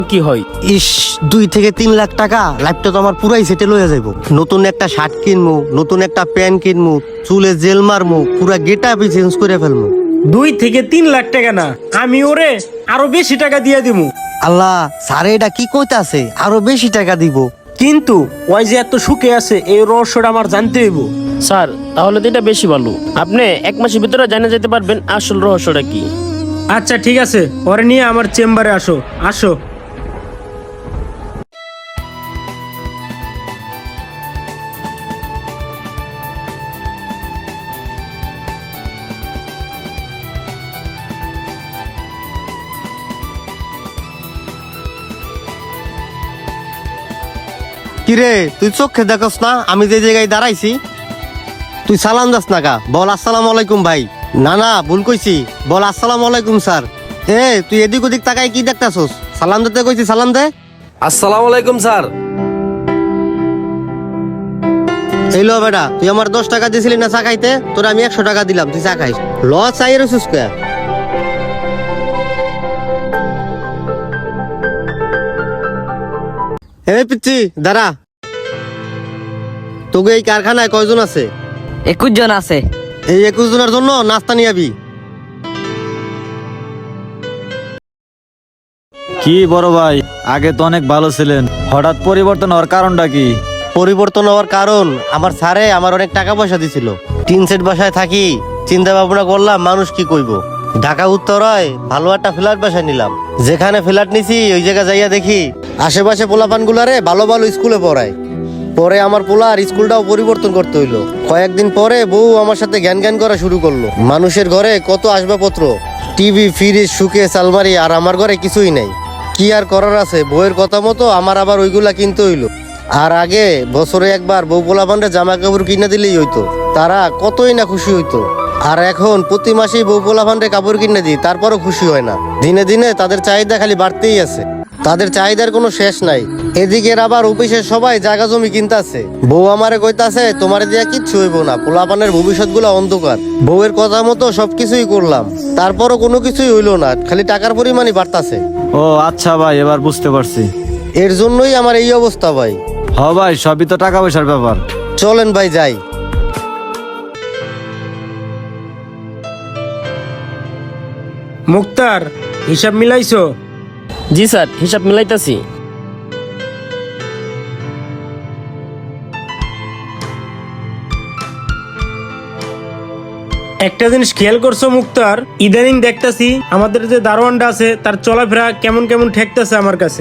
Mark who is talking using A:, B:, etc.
A: কি হয়?
B: ইস, 2 থেকে 3 লাখ টাকা লাইফটা তো আমার পুরাই সেটেল হয়ে যাইব। নতুন একটা শার্ট কিনবো, নতুন একটা প্যান্ট কিনবো, চুলে জেল মারবো, পুরা গেট আপই চেঞ্জ করে ফেলবো।
A: 2 থেকে 3 লাখ টাকা না, আমি ওরে আরো বেশি টাকা দিয়ে দিমু।
B: আল্লাহ, স্যার এটা কি কইতাছে? আরো বেশি টাকা দিব?
A: কিন্তু ওই যে এত সুখে আছে, এই রহস্যটা আমার জানতে হইব।
C: স্যার তাহলে তো এটা বেশি ভালো, আপনি 1 মাসের ভিতরে জানা যেতে পারবেন আসল রহস্যটা কি।
A: আচ্ছা ঠিক আছে, ওরে নিয়ে আমার চেম্বারে আসো। আসো।
B: কিরে, তুই চোখে দেখস না আমি যে জায়গায় দাঁড়াইছি? তুই সালাম দাস না কা? বল আসসালামু আলাইকুম ভাই। না না, ভুল কইছি, বল আসসালামু আলাইকুম স্যার। তুই এদিক ওদিক তাকাই কি দেখতাছস? সালাম দিতে কইছি, সালাম দে।
D: আসসালামু আলাইকুম স্যার।
B: এই লো বেটা, তুই আমার 10 টাকা দিছিলি না চা খাইতে? তোর আমি 100 টাকা দিলাম, তুই চা খাইস। ল চাই রসুস কে? পিচ্ছি দাঁড়া। তোকে এই কারখানায় কয়জন আছে?
E: 21 জন আছে।
B: এই 21 জনের জন্য নাস্তা নিয়ে আবি।
F: কি বড় ভাই, আগে তো অনেক ভালো ছিলেন, হঠাৎ পরিবর্তন হওয়ার কারণটা কি?
B: পরিবর্তন হওয়ার কারণ আমার স্যারে আমার অনেক টাকা পয়সা দিছিল। টিন সেট বাসায় থাকি, চিন্তা ভাবনা করলাম মানুষ কি কইব। ঢাকা উত্তরায় ভালো একটা ফ্ল্যাট বাসায় নিলাম। যেখানে ফ্ল্যাট নিছি ওই জায়গা যাইয়া দেখি আশেপাশে পোলাপান গুলারে ভালো ভালো স্কুলে পড়ায়। পরে আমার পোলার স্কুলটাও পরিবর্তন করতে হইলো। কয়েকদিন পরে বউ আমার সাথে জ্ঞান জ্ঞান করা শুরু করলো। মানুষের ঘরে কত আসবাবপত্র, টিভি, ফ্রিজ, সুকেস, আলমারি, আর আমার ঘরে কিছুই নাই। কি আর করার আছে, বউয়ের কথা মতো আমার আবার ওইগুলা কিনতে হইলো। আর আগে বছরে একবার বউ পোলাপানরে জামা কাপড় কিনে দিলেই হইতো, তারা কতই না খুশি হইতো। আর এখন প্রতি মাসেই বউ পোলাপানরে কাপড় কিনে দিই, তারপরও খুশি হয় না। দিনে দিনে তাদের চাহিদা খালি বাড়তেই আছে, তাদের চাহিদার কোনো শেষ নাই। এদিকে আবার অফিসের সবাই জায়গা জমি কিনতাছে। বউ আমারে কইতাছে তোমারে দিয়া কিচ্ছু হইব না, পোলাপানের ভবিষ্যৎ গুলা অন্ধকার। বউয়ের কথা মতো সবকিছুই করলাম, তারপরও কোনো কিছুই হইলো না, খালি টাকার পরিমাণই বাড়তাছে।
F: ও আচ্ছা ভাই, এবার বুঝতে পারছি।
B: এর জন্যই আমার এই অবস্থা ভাই।
F: হ ভাই, সবই তো টাকা পয়সার ব্যাপার।
B: চলেন ভাই যাই।
A: মুক্তার, হিসাব মিলাইছো?
C: জি স্যার, হিসাব মিলাইতাছি।
A: একটা জিনিস খেয়াল করছো মুক্তার, ইদানিং দেখতাছি আমাদের যে দারোয়ানটা আছে তার চলাফেরা কেমন কেমন ঠেকতেছে আমার কাছে।